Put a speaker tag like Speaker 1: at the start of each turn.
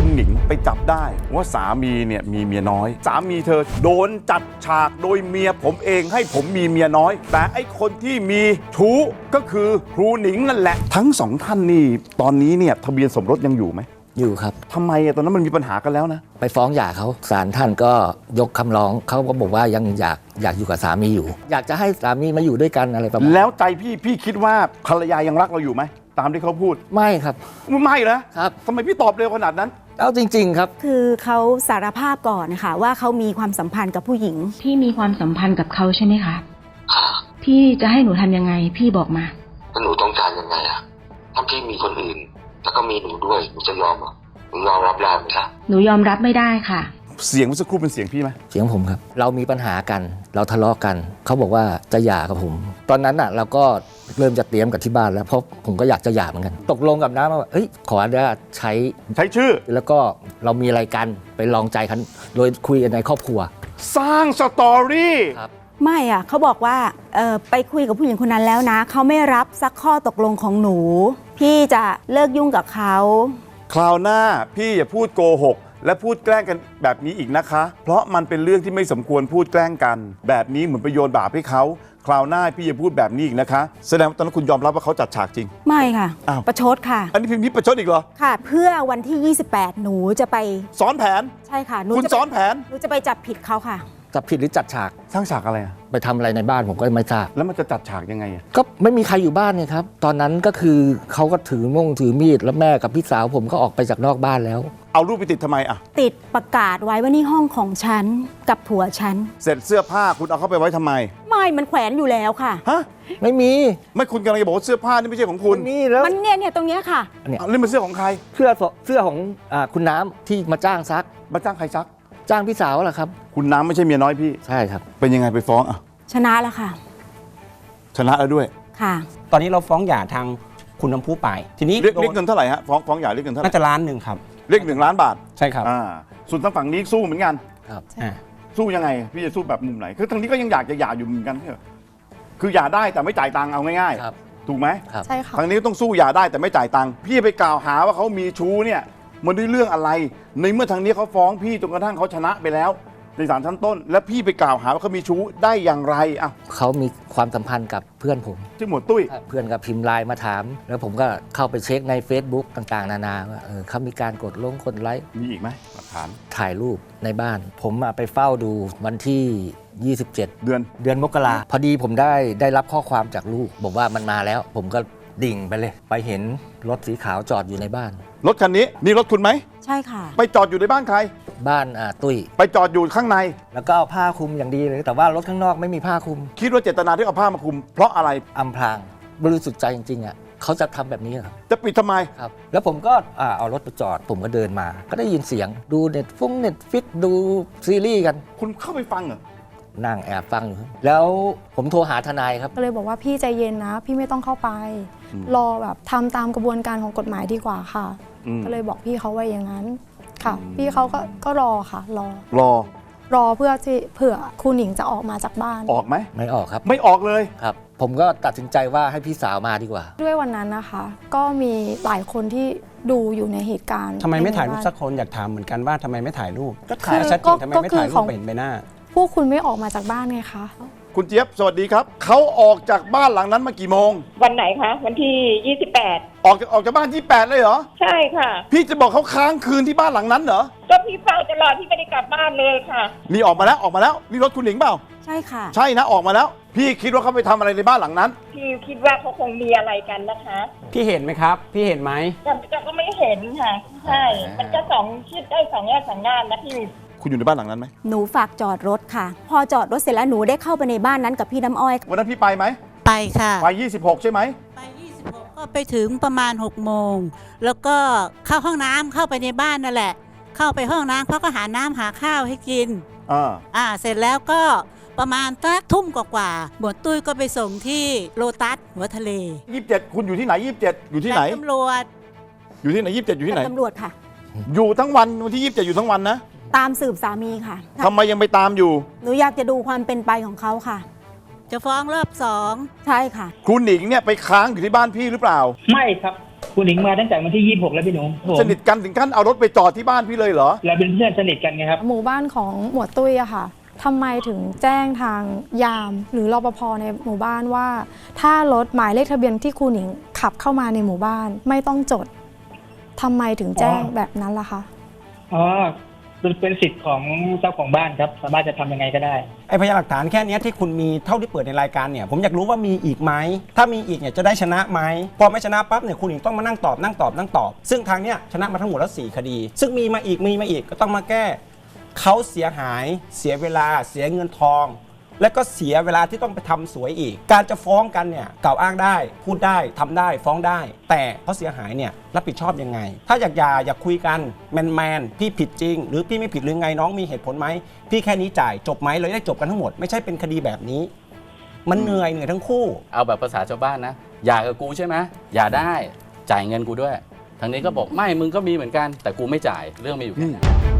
Speaker 1: คุณหนิงไปจับได้ว่าสามีเนี่ยมีเมียน้อยสามีเธอโดนจัดฉากโดยเมียผมเองให้ผมมีเมียน้อยแต่ไอ้คนที่มีชู้ก็คือครูหนิงนั่นแหละทั้งสองท่านนี่ตอนนี้เนี่ยทะเบียนสมรสยังอยู่ไหม
Speaker 2: อยู่ครับ
Speaker 1: ทำไมตอนนั้นมันมีปัญหากันแล้วนะ
Speaker 2: ไปฟ้องหย่าเขาศาลท่านก็ยกคำร้องเขาก็บอกว่ายังอยากอยู่กับสามีอยู่อยากจะให้สามีมาอยู่ด้วยกันอะไรประมาณ
Speaker 1: แล้วใจพี่คิดว่าภรรยายังรักเราอยู่ไหมตามที่เขาพูด
Speaker 2: ไม่ครับ
Speaker 1: ไม่นะครับทำไมพี่ตอบเร็วขนาดนั้น
Speaker 2: เอาจริงๆครับ
Speaker 3: คือเขาสารภาพก่อนนะคะว่าเขามีความสัมพันธ์กับผู้หญิง
Speaker 4: พี่มีความสัมพันธ์กับเขาใช่ไหมคะพี่จะให้หนูทำยังไงพี่บอกมา
Speaker 5: แล้วหนูต้องการยังไงอะถ้าพี่มีคนอื่นแล้วก็มีหนูด้วยหนูจะยอมเหรอหนูยอมรับได้ไหมคะ
Speaker 4: หนูยอมรับไม่ได้ค่ะ
Speaker 1: เสียงเมื่อสักครู่เป็นเสียงพี่ไหม
Speaker 2: เสียงผมครับเรามีปัญหากันเราทะเลาะกันเขาบอกว่าจะหย่ากับผมตอนนั้นน่ะเราก็เริ่มจะเตรียมกับที่บ้านแล้วเพราะผมก็อยากจะหย่าเหมือนกันตกลงกับน้าว่าเฮ้ยขออนุญาตใช้
Speaker 1: ชื่อ
Speaker 2: แล้วก็เรามีอะไรกันไปลองใจกันโดยคุยกันในครอบครัว
Speaker 1: สร้างสตอรี่
Speaker 2: ครับ
Speaker 3: ไม่อะเขาบอกว่าไปคุยกับผู้หญิงคนนั้นแล้วนะเขาไม่รับสักข้อตกลงของหนูพี่จะเลิกยุ่งกับเขา
Speaker 1: คราวหน้าพี่อย่าพูดโกหกและพูดแกล้งกันแบบนี้อีกนะคะเพราะมันเป็นเรื่องที่ไม่สมควรพูดแกล้งกันแบบนี้เหมือนไปโยนบาปให้เขาคราวหน้าพี่อย่าพูดแบบนี้อีกนะคะแสดงว่าตอนนั้นคุณยอมรับว่าเขาจัดฉากจริง
Speaker 3: ไม่ค่ะประชดค่ะ
Speaker 1: อันนี้พี่ประชดอีกเหรอ
Speaker 3: ค่ะเพื่อวันที่28หนูจะไป
Speaker 1: ซ้อนแผน
Speaker 3: ใช่ค่ะ
Speaker 1: คุณซ้อนแผน
Speaker 3: หนูจะไปจับผิดเขาค่ะ
Speaker 2: จับผิดหรือจัดฉาก
Speaker 1: สร้างฉากอะไร
Speaker 2: ไปทำอะไรในบ้านผมก็ไม่ทราบ
Speaker 1: แล้วมันจะจัดฉากยังไง
Speaker 2: ก็ไม่มีใครอยู่บ้านไงครับตอนนั้นก็คือเขาก็ถือมีดแล้วแม่กับพี่สาวผมก็ออกไปจากนอกบ้านแล้ว
Speaker 1: เอารูปไปติดทำไมอะ
Speaker 3: ติดประกาศไว้ว่านี่ห้องของฉันกับผัวฉัน
Speaker 1: เสร็จเสื้อผ้าคุณเอาเข้าไปไว้ทำไม
Speaker 3: ไม่มันแขวนอยู่แล้วค่ะ
Speaker 1: ฮะ
Speaker 2: ไม่มี
Speaker 1: ไม่คุณกำลังจะบอกว่าเสื้อผ้านี่ไม่ใช่ของคุณ
Speaker 2: นี่แล้ว
Speaker 3: มันเนี่ยตรงเนี้ยค่ะ
Speaker 1: นี่มันเสื้อของใคร
Speaker 2: เสื้อของคุณน้ำที่มาจ้างซัก
Speaker 1: มาจ้างใครซัก
Speaker 2: จ้างพี่สาวแหละครับ
Speaker 1: คุณน้ำไม่ใช่เมียน้อยพี่
Speaker 2: ใช่ครับ
Speaker 1: เป็นยังไงไปฟ้องอ่ะ
Speaker 3: ชนะแล้วค่ะ
Speaker 1: ชนะแล้วด้วย
Speaker 3: ค่ะ
Speaker 6: ตอนนี้เราฟ้องหย่าทางคุณน้ำพุไปทีนี้
Speaker 1: เรียกเงินเท่าไหร่ฮะฟ้องหย่าเรียกเงินเท่าไหร่
Speaker 6: น่าจะ1,000,000ครับ
Speaker 1: เรียก1 ล้านบาท
Speaker 6: ใช่ครับ
Speaker 1: ส่วนทางฝั่งนี้สู้เหมือนกัน
Speaker 2: ครับ
Speaker 1: สู้ยังไงพี่จะสู้แบบมุมไหนคือทางนี้ก็ยังอยากจะหย่าอยู่เหมือนกันคือหย่าได้แต่ไม่จ่ายตังค์เอาง่ายๆถูกไหม
Speaker 3: ใช่ค่ะ
Speaker 1: ทางนี้ต้องสู้หย่าได้แต่ไม่จ่ายตังค์พี่ไปกล่าวหาว่าเขามีชู้เนี่ยมันด้วยเรื่องอะไรในเมื่อทางนี้เขาฟ้องพี่จนกระทั่งเขาชนะไปแล้วในศาลชั้นต้นแล้วพี่ไปกล่าวหาว่าเขามีชู้ได้อย่างไรอ่ะ
Speaker 2: เขามีความสัมพันธ์กับเพื่อนผม
Speaker 1: ชื่อหมวดตุ้ย
Speaker 2: เพื่อนกับพิมพ์ไลน์มาถามแล้วผมก็เข้าไปเช็คใน Facebook ต่างๆนานาว่าเขามีการกดไลค์
Speaker 1: มีอีกไหมหลักฐาน
Speaker 2: ถ่ายรูปในบ้านผมไปเฝ้าดูวันที่27เดือนมกราพอดีผมได้รับข้อความจากลูกบอกว่ามันมาแล้วผมก็ดิ่งไปเลยไปเห็นรถสีขาวจอดอยู่ในบ้าน
Speaker 1: รถคันนี้นี่รถคุณไหม
Speaker 3: ใช่ค่ะ
Speaker 1: ไปจอดอยู่ในบ้านใคร
Speaker 2: บ้านตุ้ย
Speaker 1: ไปจอดอยู่ข้างใน
Speaker 2: แล้วก็เอาผ้าคลุมอย่างดีเลยแต่ว่ารถข้างนอกไม่มีผ้าคลุม
Speaker 1: คิดว่าเจตนาที่เอาผ้ามาคลุมเพราะอะไร
Speaker 2: อำพรางบริสุทธิ์ใจจริงๆอ่ะเขาจะทำแบบนี้ครับ
Speaker 1: จะปิดทำไม
Speaker 2: ครับแล้วผมก็เอารถไปจอดผมก็เดินมาก็ได้ยินเสียงดูเน็ตฟิกดูซีรีส์กัน
Speaker 1: คุณเข้าไปฟังเหรอ
Speaker 2: นั่งแอบฟังอยู่แล้วผมโทรหาทนายครับ
Speaker 7: ก็เลยบอกว่าพี่ใจเย็นนะพี่ไม่ต้องเข้าไปรอแบบทำตามกระบวนการของกฎหมายดีกว่าค่ะก็เลยบอกพี่เขาไว้อย่างนั้นค่ะพี่เขาก็รอค่ะรอเพื่อที่เผื่อครูหนิงจะออกมาจากบ้าน
Speaker 1: ออกไหม
Speaker 2: ไม่ออกครับ
Speaker 1: ไม่ออกเลย
Speaker 2: ครับผมก็ตัดสินใจว่าให้พี่สาวมาดีกว่า
Speaker 7: ด้วยวันนั้นนะคะก็มีหลายคนที่ดูอยู่ในเหตุการณ์
Speaker 6: ทำไมไม่ถ่ายรูปสักคนอยากถามเหมือนกันว่าทำไมไม่ถ่ายรูปก็ถ่ายชัดเจนทำไมไม่ถ่ายรูปเห็นใบหน้า
Speaker 7: พวกคุณไม่ออกมาจากบ้านไงคะ
Speaker 1: คุณเจี๊ยบสวัสดีครับเขาออกจากบ้านหลังนั้นมากี่โมง
Speaker 8: วันไหนคะวันที่28
Speaker 1: ออกจากบ้าน28เลยเหรอ
Speaker 8: ใช่ค่ะ
Speaker 1: พี่จะบอกเขาค้างคืนที่บ้านหลังนั้นเหรอ
Speaker 8: ก็พี่เฝ้าตลอดที่ไม่ได้กลับบ้านเลยค่ะ
Speaker 1: นี่ออกมาแล้วนี่รถคุณหนิงเปล่า
Speaker 3: ใช่ค่ะ
Speaker 1: ใช่นะออกมาแล้วพี่คิดว่าเขาไปทำอะไรในบ้านหลังนั้น
Speaker 8: พี่คิดว่าเขาคงมีอะไรกันนะคะ
Speaker 6: พี่เห็นไหมครับพี่เห็นไหม
Speaker 8: ก็ไม่เห็นค่ะใช่มันจะคิดได้2 แง่ 2 ด้านนะพี่
Speaker 1: คุณอยู่ในบ้านหลังนั้นไหม
Speaker 3: หนูฝากจอดรถค่ะพอจอดรถเสร็จแล้วหนูได้เข้าไปในบ้านนั้นกับพี่น้ำอ้อย
Speaker 1: วันนั้นพี่ไปไหม
Speaker 9: ไปค่ะ
Speaker 1: ไป26ใช่ไหม
Speaker 9: ไป26ก็ไปถึงประมาณ6 โมงแล้วก็เข้าห้องน้ำเข้าไปในบ้านนั่นแหละเข้าไปห้องน้ำเขาก็หาน้ำหาข้าวให้กินเสร็จแล้วก็ประมาณสักทุ่มกว่าหมวดตุ้ยก็ไปส่งที่โลตัสหัวทะเล
Speaker 1: 27คุณอยู่ที่ไหน27อยู่ที่ไหน
Speaker 9: ตำรวจ
Speaker 1: อยู่ที่ไหน27อยู่ที่ไหน
Speaker 3: ตำรวจค่ะ
Speaker 1: อยู่ทั้งวันที่27อยู่ทั้งวันนะ
Speaker 3: ตามสืบสามีค่ะ
Speaker 1: ทำไมยังไปตามอยู่
Speaker 3: หนูอยากจะดูความเป็นไปของเขาค่ะ
Speaker 9: จะฟ้องรอบ2
Speaker 3: ใช่ค่ะ
Speaker 1: ครูหนิงเนี่ยไปค้างอยู่ที่บ้านพี่หรือเปล่า
Speaker 8: ไม่ครับ
Speaker 10: คุณหนิงมาตั้งแต่วันที่ 26 แล้วพี่หนูผม
Speaker 1: สนิทกันถึงขั้นเอารถไปจอดที่บ้านพี่เลยเหรอ
Speaker 10: เราเป็นเพื่อนสนิทกันไงครับ
Speaker 7: หมู่บ้านของหมวดตุ้ยอะค่ะทำไมถึงแจ้งทางยามหรือรปภในหมู่บ้านว่า ถ้ารถหมายเลขทะเบียนที่ครูหนิงขับเข้ามาในหมู่บ้านไม่ต้องจดทำไมถึงแจ้งแบบนั้นล่ะคะ
Speaker 10: อ๋อเป็นสิทธิ์ของเจ้าของบ้านครับสามารถจะทำยังไงก็ได้
Speaker 6: ไอ้พยานหลักฐานแค่เนี้ยที่คุณมีเท่าที่เปิดในรายการเนี่ยผมอยากรู้ว่ามีอีกไหมถ้ามีอีกเนี่ยจะได้ชนะไหมพอไม่ชนะปั๊บเนี่ยคุณหญิงต้องมานั่งตอบซึ่งทางเนี้ยชนะมาทั้งหมดแล้ว4คดีซึ่งมีมาอีกก็ต้องมาแก้เขาเสียหายเสียเวลาเสียเงินทองและก็เสียเวลาที่ต้องไปทำสวยอีกการจะฟ้องกันเนี่ยกล่าวอ้างได้พูดได้ทำได้ฟ้องได้แต่เขาเสียหายเนี่ยรับผิดชอบยังไงถ้าอยากคุยกันแมนพี่ผิดจริงหรือพี่ไม่ผิดหรือไงน้องมีเหตุผลไหมพี่แค่นี้จ่ายจบไหมเราได้จบกันทั้งหมดไม่ใช่เป็นคดีแบบนี้มันเหนื่อยทั้งคู่
Speaker 11: เอาแบบภาษาชาวบ้านนะอย่ากับกูใช่ไหมอย่าได้จ่ายเงินกูด้วยทางนี้ก็บอกไม่มึงก็มีเหมือนกันแต่กูไม่จ่ายเรื่องมีอยู่แค่นี้